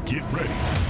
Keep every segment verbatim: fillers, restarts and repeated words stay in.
Get ready.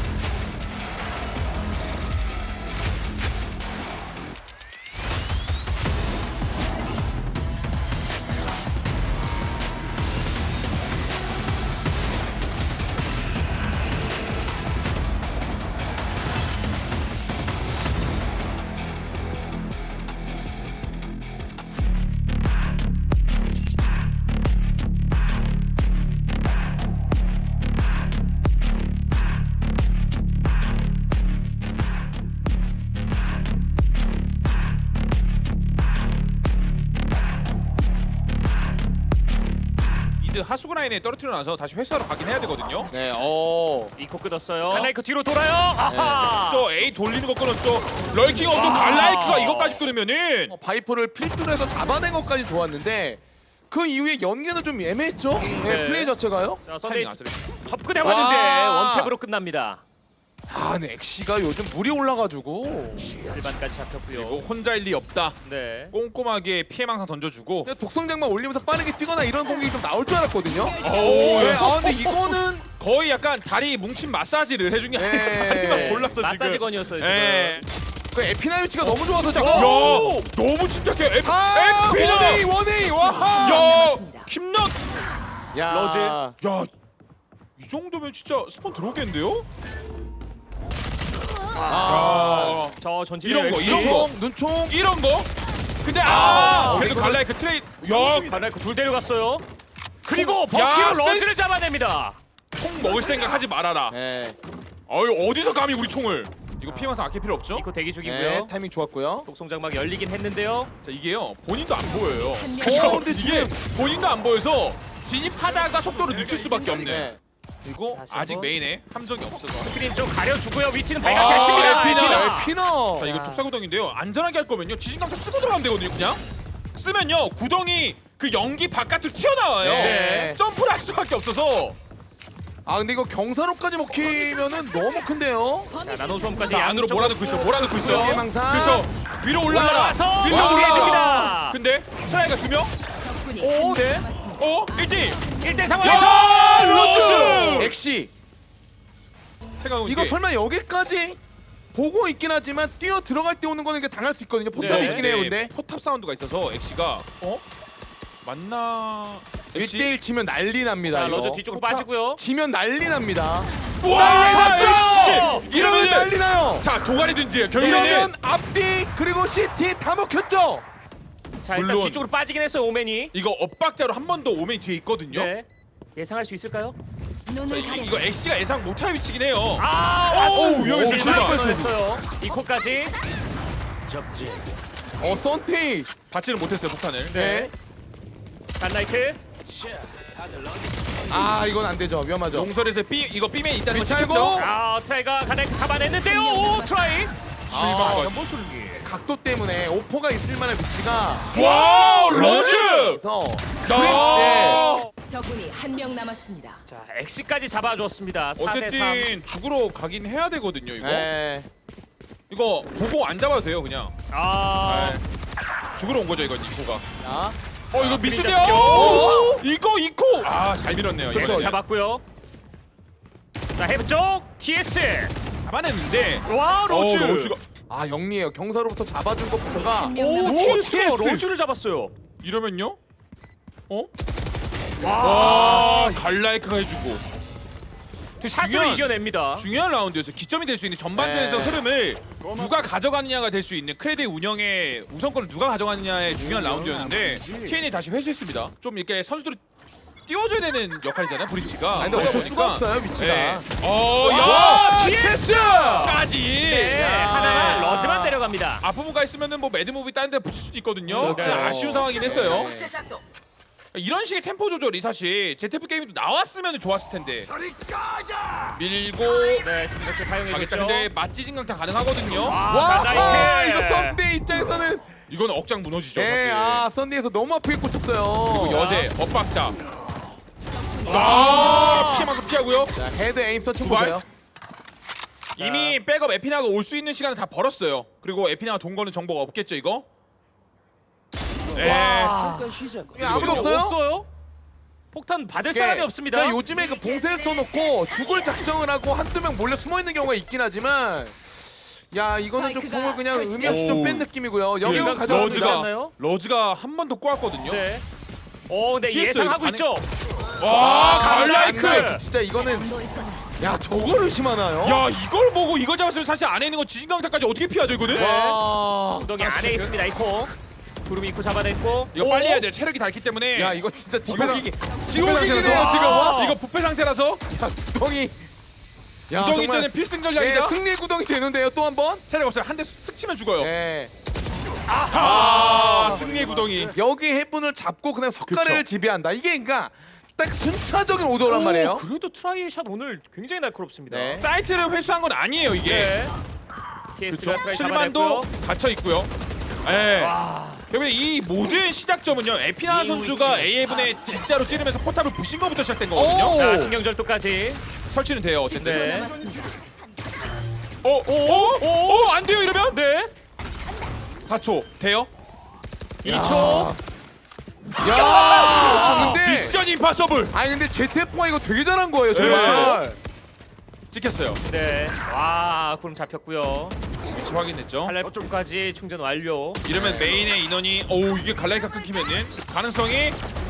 하수구 라인에 떨어뜨려 놔서 다시 회수하러 가긴 해야 되거든요. 네, 어. 이코 끊었어요. 하나이크 뒤로 돌아요. 아하. 저 A 돌리는 거 끊었죠. 럴킹 없고 갈라이크가 이것까지 끊으면은 어, 바이퍼를 필두로 해서 잡아낸 것까지 좋았는데 그 이후에 연계는 좀 애매했죠? 네, 네. 플레이 자체가요? 자, 선데이 타이밍 안 쓰네. 접근해봤는데 와. 원탭으로 끝납니다. 아, 근데 엑시가 요즘 물이 올라가지고 일반까지 잡혔고요. 그리고 혼자일 리 없다. 네. 꼼꼼하게 피해망상 던져주고. 그냥 독성장만 올리면서 빠르게 뛰거나 이런 공격이 좀 나올 줄 알았거든요. 오, 네, 아 근데 이거는 거의 약간 다리 뭉친 마사지를 해준 게 아니라 네. 다리가 골랐어 지금. 마사지건이었어요 지금. 예. 그 에피나 위치가 너무 좋아서 지금. 야, 너무 침착해. 에피, 아, 에피나. 원에이 원에이 와. 야, 김낙. 야, 러즈. 야, 이 정도면 진짜 스폰 들어오겠는데요? 아, 아, 저 전진 이런 거, 이런 거. 눈총, 눈총. 이런 거. 근데 아, 아, 그래도 이거는- 갈라이크 트레이. 야, 하나이크 둘 데려갔어요. 그리고 야, 버키로 센스. 러즈를 잡아냅니다. 총 먹을 생각 하지 말아라. 네, 어유 어디서 감히 우리 총을? 이거 피해망상 아낄 필요 없죠? 이코 대기 네, 중이고요. 타이밍 좋았고요. 독성장막 열리긴 했는데요. 자, 이게요 본인도 안 보여요. 명. 그죠? 어, 근데 이게 본인도 안 보여서 진입하다가 속도를 늦출 수밖에 없네. 네. 그리고 다시 아직 한번. 메인에 함정이 없어서. 스크린 좀 가려주고요. 위치는 아, 발각됐습니다. 에피나. 에피너. 자, 이거 독사구덩인데요. 안전하게 할 거면요 지진강타 쓰고 들어가면 되거든요. 그냥 쓰면요 구덩이 그 연기 바깥으로 튀어나와요. 네. 점프를 할 수밖에 없어서. 아 근데 이거 경사로까지 먹히면은 너무 큰데요. 자, 나노 수험까지 자, 안으로 몰아넣고 있어. 몰아넣고 있어. 피해망상. 그렇죠. 위로 올라가라. 올라와서 위로 와. 올라가. 해줍니다. 근데 스라이가 두 명? 오, 네. 어? 일지. 일 대 야! 상황에서 로즈! 엑시. 생각은 이거 이게 설마 여기까지 보고 있긴 하지만 뛰어 들어갈 때 오는 거는 이게 당할 수 있거든요. 포탑이 네. 있긴 해요, 네, 근데. 포탑 사운드가 있어서 엑시가 어? 맞나? 일 대 일 치면 난리 납니다. 자, 이거. 러즈 뒤쪽으로 빠지고요. 지면 난리 납니다. 와! 엑시! 엑시! 이러면 난리 이러면 나요. 자 도가리든지 결국에는 이러면 앞뒤 그리고 시티 다 먹혔죠. 자, 일단 물론. 뒤쪽으로 빠지긴 했어요. 오맨이. 이거 엇박자로 한 번 더 오맨 뒤에 있거든요. 네. 예상할 수 있을까요? 자, 이, 이거 엑시가 예상 못할 위치긴 해요. 아, 오, 맞습니다. 여기서 실망 실망. 끊어냈어요. 이코까지. 어 썬티. 받지는 못했어요 폭탄을. 네. 갓나이트. 아 이건 안 되죠. 위험하죠. 용설에서 B 이거 B맨 있다는 거 미치고. 찍혔죠? 아, 트라이가 갓나이트 잡아냈는데요. 오, 트라이. 아, 전보술기. 각도 때문에 오퍼가 있을 만한 위치가 와 로즈! 그래서 야! 적군이 한 명 남았습니다. 자, 엑시까지 잡아줬습니다. 사 대 삼. 어쨌든 죽으러 가긴 해야 되거든요 이거. 네. 이거 보고 안 잡아도 돼요 그냥. 아, 네. 죽으러 온 거죠 이건 이코가. 자, 어 이거 그린자 미스돼요. 스킬. 오! 이거 이코. 아 잘 밀었네요. 그렇죠. 역시. 잡았고요. 자, 헤브 쪽 티에스. 잡아냈는데. 와, 로즈. 어, 로즈가 아 영리해요. 경사로부터 잡아준 것부터가 한 명 오, 남았습니다. 티에스가 티에스. 로즈를 잡았어요. 이러면요? 어? 와, 와 갈라이크가 해주고. 되게 샷으로 중요한- 이겨냅니다. 중요한 라운드에서 기점이 될 수 있는 전반전에서 네. 흐름을 누가 가져가느냐가 될 수 있는 크레드의 운영의 우선권을 누가 가져가느냐의 중요한 라운드였는데 티엔이 다시 회수했습니다. 좀 이렇게 선수들을 띄워줘야 되는 역할이잖아요 브리치가. 아, 근데 그러다 어쩔 수가 보니까- 없어요 위치가. 네. 어, 야! 와, 티에스까지! 네, 야. 하나는 러즈만 데려갑니다. 앞부분가 있으면은 뭐 매드무비 다른 데 붙일 수도 있거든요. 그렇죠. 네, 아쉬운 상황이긴 했어요. 네. 이런 식의 템포 조절이 사실 제트에프 게임도 나왔으면 좋았을 텐데. 밀고 네, 지금 이렇게 가겠다. 사용해줬죠. 근데 맞지진 강타 가능하거든요. 아, 와, 갓나이트. 아, 이거 썬데이 입장에서는 이건 억장 무너지죠 네, 사실. 아 썬데이에서 너무 아프게 꽂혔어요. 그리고 여제 엇박자. 아, 피해만큼 피하고요. 자, 헤드 에임 서칭 두 발. 보세요. 이미 백업 에피나가 올 수 있는 시간을 다 벌었어요. 그리고 에피나가 돈 거는 정보가 없겠죠 이거? 네. 야, 아무도 없어요? 없어요? 폭탄 받을 이게 사람이 없습니다. 그러니까 요즘에 그 봉쇄를 써놓고 죽을 작정을 하고 한두 명 몰래 숨어 있는 경우가 있긴 하지만, 야 이거는 좀 스파이크가 궁을 그냥 설치됐- 의미 없이 좀 뺀 느낌이고요. 지금 영역을 가져왔습니다. 러즈가 않나요? 러즈가 한 번 더 꼬았거든요. 네. 어, 네 피했어요. 예상하고 반응- 있죠. 와, 갈라이크! 갈라이크. 진짜 이거는 야 저걸 의심하나요? 야, 이걸 보고 이거 잡았으면 사실 안에 있는 거 지진강타까지 어떻게 피하죠 이거는? 네. 와. 구덩이 안에 있습니다. 이코. 구름이 이코 잡아냈고. 이거 오! 빨리 해야 돼. 체력이 닳기 때문에. 야 이거 진짜 부패 지옥이기 상태라서. 지옥이네요 지금. 와. 이거 부패 상태라서 야 구덩이. 야 구덩이 정말 때는 필승 예, 전략이다. 승리 구덩이 되는데요 또 한 번. 체력 없어요. 한 대 쓱 치면 죽어요. 예. 아, 승리의 구덩이. 여기 해분을 잡고 그냥 석가래를 그쵸. 지배한다. 이게 그러니까 딱 순차적인 오더란 말이에요. 오, 그래도 트라이의 샷 오늘 굉장히 날카롭습니다. 네. 사이트를 회수한 건 아니에요 이게. 네. 케이스가 그렇죠. 트라이 실만도 잡아냈고요. 갇혀 있고요. 예. 와. 그러면 이 모든 시작점은요. 에피나 선수가 에이에븐에 진짜로 찌르면서 포탑을 부신 것부터 시작된 거거든요. 오. 자, 신경절도까지. 설치는 돼요. 어쨌든. 네. 어, 오, 오, 오, 오, 안 돼요 이러면? 네. 사 초 돼요? 이 초. 야, 근데 미션 임파서블 아니 근데 제테포가 이거 되게 잘한 거예요 정말. 찍혔어요. 네. 와, 구름 잡혔고요. 위치 확인했죠. 할랄프까지 충전 완료. 이러면 메인의 인원이 오 이게 갈라이카 끊기면은 가능성이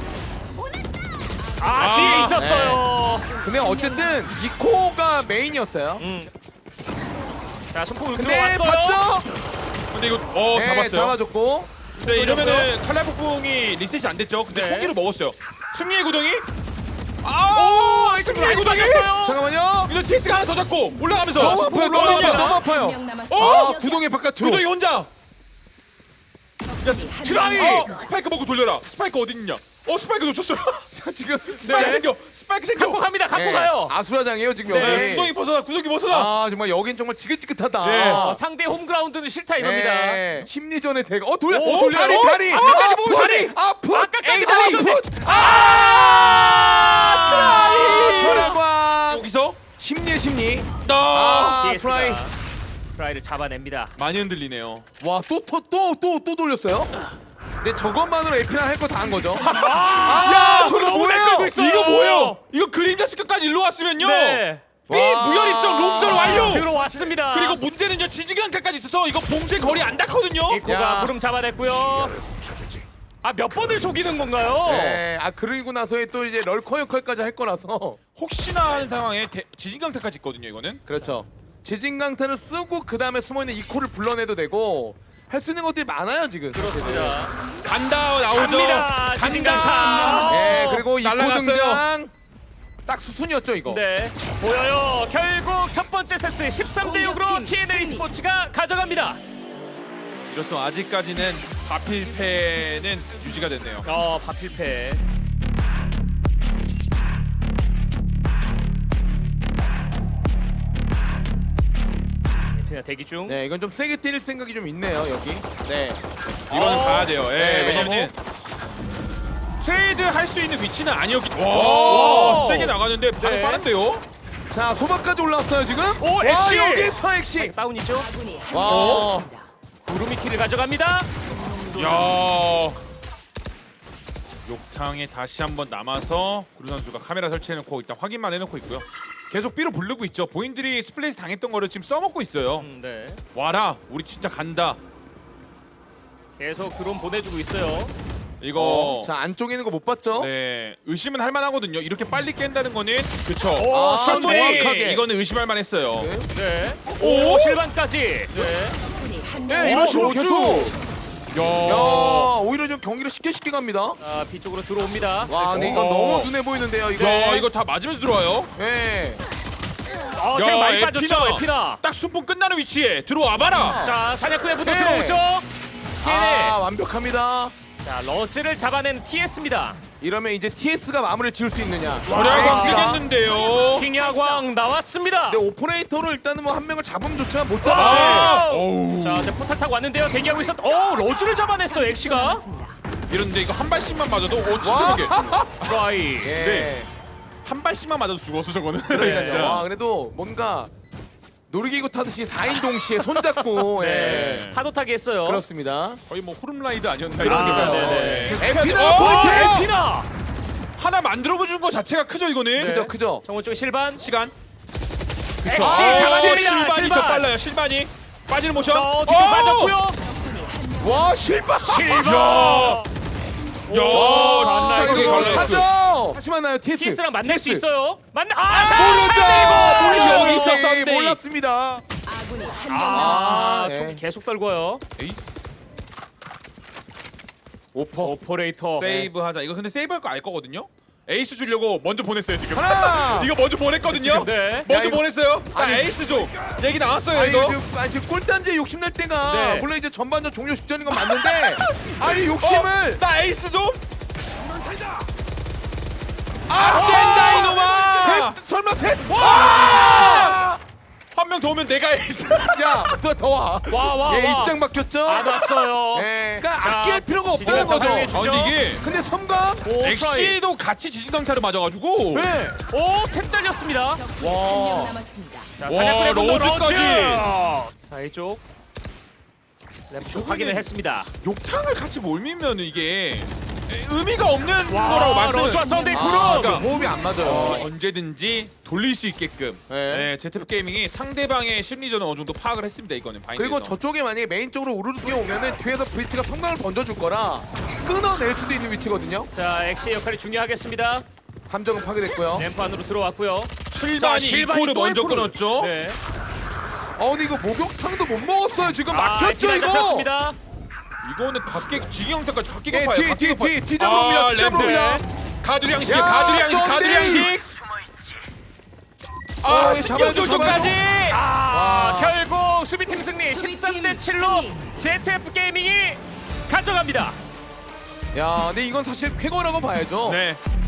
아, 아, 뒤에 있었어요. 근데 어쨌든 이코가 메인이었어요. 음. 자, 손톱 근데 들어왔어요. 봤죠? 근데 이거 어 네, 잡았어요. 잡아줬고. 네 이러면은 칼날폭풍이 리셋이 안 됐죠. 근데 네. 총기를 먹었어요. 승리의 구덩이. 아 승리의 구덩이. 맞았어요. 잠깐만요. 이거 티스가 하나 더 잡고 올라가면서 너무 아파요. 너무 아파요. 너무 아파요. 한명 남았습니다. 어? 아 구덩이 바깥으로. 구덩이 혼자. 야 트라이! 어, 스파이크 먹고 돌려라. 스파이크 어디 있냐? 어 스파이크 놓쳤어요. 자, 지금 스파이크 네. 생겨. 스파이크 생겨. 갖고 갑니다. 갖고 네, 가요. 아수라장이에요 지금 네, 여기. 네, 구덩이 벗어나. 구덩이 벗어나. 아 정말 여긴 정말 지긋지긋하다. 네. 어, 상대 홈그라운드는 싫다 이겁니다. 네, 심리전의 대가. 어 돌려. 오, 돌려. 다리, 다리. 앞까지 아, 보고 풋! 다리. 아 풋. 아까까지 에이, 다리 나왔었는데. 풋. 아 아 절광. 여기서 심리의 심리. 나 아 피에스가 프라이. 프라이를 잡아냅니다. 많이 흔들리네요. 와또또또또 또 돌렸어요? 근데 저것만으로 에피나 할 거 다 한 거죠. 아, 야, 저거 너무 잘 뭐예요? 끌고 있어요. 이거 뭐예요? 이거 그림자 스크까지 일로 왔으면요. 네. B 와. 무혈 입성 롱설 완료. 들어왔습니다. 그리고 문제는요 지지강타까지 있어서 이거 봉쇄 거리 안 닿거든요. 이코가 야. 구름 잡아냈고요. 아, 몇 번을 속이는 건가요? 네, 아 그리고 나서에 또 이제 럴커 역할까지 할 거라서. 혹시나 하는 상황에 대, 지진강타까지 있거든요 이거는. 그렇죠. 지진강타를 쓰고 그 다음에 숨어있는 이코를 불러내도 되고 할 수 있는 것들이 많아요 지금. 그렇습니다. 간다 나오죠. 갑니다. 지진강타. 네, 그리고 이코 날라갔어요. 등장. 딱 수순이었죠 이거. 네, 보여요. 결국 첫 번째 세트 십삼 대 육으로 공격팀 티엔에이 승리. 스포츠가 가져갑니다. 이로써 아직까지는 바필패는 유지가 됐네요. 어, 바필패. 에피나 대기 중. 네, 이건 좀 세게 때릴 생각이 좀 있네요 여기. 네. 이거는 어. 가야 돼요. 예, 네. 왜냐면은 트레이드 할 수 있는 위치는 아니었기 때문에. 오. 와, 세게 나가는데 반응 네. 빠른데요. 자 소박까지 올라왔어요 지금. 오, 와, 엑시! 여기서 엑시. 다운이죠. 아군이 와. 한명 남았습니다. 구름이 키를 가져갑니다. 야. 욕탕에 다시 한번 남아서 구루 선수가 카메라 설치해놓고 일단 확인만 해놓고 있고요. 계속 B로 부르고 있죠. 본인들이 스플레이스 당했던 거를 지금 써먹고 있어요. 음, 네. 와라, 우리 진짜 간다. 계속 드론 보내주고 있어요. 이거 어, 자 안쪽에 있는 거 못 봤죠? 네 의심은 할 만하거든요. 이렇게 빨리 깬다는 거는 그쵸. 오, 아, 충분히 정확하게. 이거는 의심할 만했어요. 네. 네. 오? 오, 실반까지. 네. 아군이 한명 네, 이런 식으로 로즈. 계속. 야, 야, 오히려 좀 경기를 쉽게 쉽게 갑니다. 아, B 쪽으로 들어옵니다. 와, 근데 이건 어. 너무 눈에 보이는데요, 이거. 야 이거 다 맞으면서 들어와요. 네. 어, 야, 지금 많이 에피나. 빠졌죠, 에피나. 딱 순풍 끝나는 위치에 들어와봐라. 자, 사냥꾼의 분도 네. 들어오죠. 티엔에이. 아, 완벽합니다. 자, 러즈를 잡아낸 티에스입니다. 이러면 이제 티에스가 마무리를 지을 수 있느냐. 절약이 와. 시겠는데요. 킹야광 나왔습니다. 근데 오퍼레이터로 일단은 뭐 한 명을 잡으면 좋지만 못 와. 잡아요. 어우. 자, 이제 포탈 타고 왔는데요. 대기하고 있었. 오, 러즈를 잡아냈어, 엑시가. 남았습니다. 이런데 이거 한 발씩만 맞아도 오 진짜 와. 그게 트라이. 예. 네. 한 발씩만 맞아도 죽었어 저거는. 그러니까요. 진짜. 와, 그래도 뭔가 놀이기구 타듯이 사 인 동시에 손잡고 네. 예. 파도 타기 했어요. 그렇습니다. 거의 뭐 후름라이드 아니었나 그러니까요. 이런 네. 거. 에피나 어, 포인트! 에피나. 하나 만들어 준 거 자체가 크죠 이거는. 네. 그죠 그죠. 정원 쪽에 실반. 시간. 엑시 아, 잡아냅니다. 실반이 더 실반. 빨라요. 실반이 빠지는 모션. 저 뒤쪽 오! 빠졌고요. 와 실바. 실반. 야, 와 진짜 진짜 이거 이거 갈라졌어요. 하죠. 다시 만나요 티에스. 티엑스랑 만날 수 티에스. 있어요. 만나. 아, 모르죠. 모르죠. 여기 있어, 썬데이. 몰랐습니다. 아군이 한 명 아, 네. 총 계속 떨궈요. 에이, 오퍼. 오퍼레이터. 세이브 하자. 이거 근데 세이브 할 거 알 거거든요. 에이스 주려고 먼저 보냈어요 지금. 하나. 이거 먼저 보냈거든요. 네. 먼저 야, 이거- 보냈어요. 자, 아니, 에이스 줘. 얘기 나왔어요 아니 이거. 지금 아니 지금 꿀단지 욕심낼 때가 네. 물론 이제 전반전 종료 직전인 건 맞는데 아니 욕심을 어, 나 에이스 좀. 안 된다 이놈아. 셋 설마 셋? 와! 한 명 더 오면 내가 에이스. 야너더 와. 와, 와, 얘 와. 입장 바뀌었죠? 안 왔어요. 네. 그러니까 자, 아낄 필요가 지지가 없다는 거죠. 활용해 주죠. 아, 근데 이게 근데 섬광 오, 트라이. 엑시도 같이 지진강타를 맞아가지고. 네. 오, 셋 잘렸습니다. 적군이 한 명 남았습니다. 자, 와, 사냥꾼의 분노 로즈까지. 로즈. 자, 이쪽. 랩 쪽 확인을 했습니다. 욕탕을 같이 몰미면 이게 의미가 없는 와, 거라고 말씀. 로즈와 썬데이 아, 크루. 그러니까 호흡이 안 맞아요. 어, 언제든지 돌릴 수 있게끔. 네. 네, 제트프 게이밍이 상대방의 심리전을 어느 정도 파악을 했습니다 이거는. 바인드에서. 그리고 저쪽에 만약에 메인 쪽으로 우르르 뛰어오면은 뒤에서 브리치가 성광을 던져줄 거라 끊어낼 수도 있는 위치거든요. 자, 엑시의 역할이 중요하겠습니다. 함정은 파괴됐고요. 램프 안으로 들어왔고요. 실반이 자, 실반이 이코를 또 먼저 일코를. 끊었죠. 네. 어 근데 이거 목욕탕도 못 먹었어요. 지금 아, 막혔죠 에피나 이거. 잡혔습니다. 이거는 각계 지경태까지 각계 예, 급파요. 뒤, 뒤, 뒤, 뒤 잡아옵니다. 뒤 잡아옵니다. 가두리 양식, 야, 가두리 양식, 가두리 썬데이. 양식. 어, 아, 잡아야죠, 신경절도까지. 아, 와. 결국 수비팀 승리 십삼 대 칠로 제트에프 게이밍이 가져갑니다. 야, 근데 이건 사실 쾌거라고 봐야죠. 네.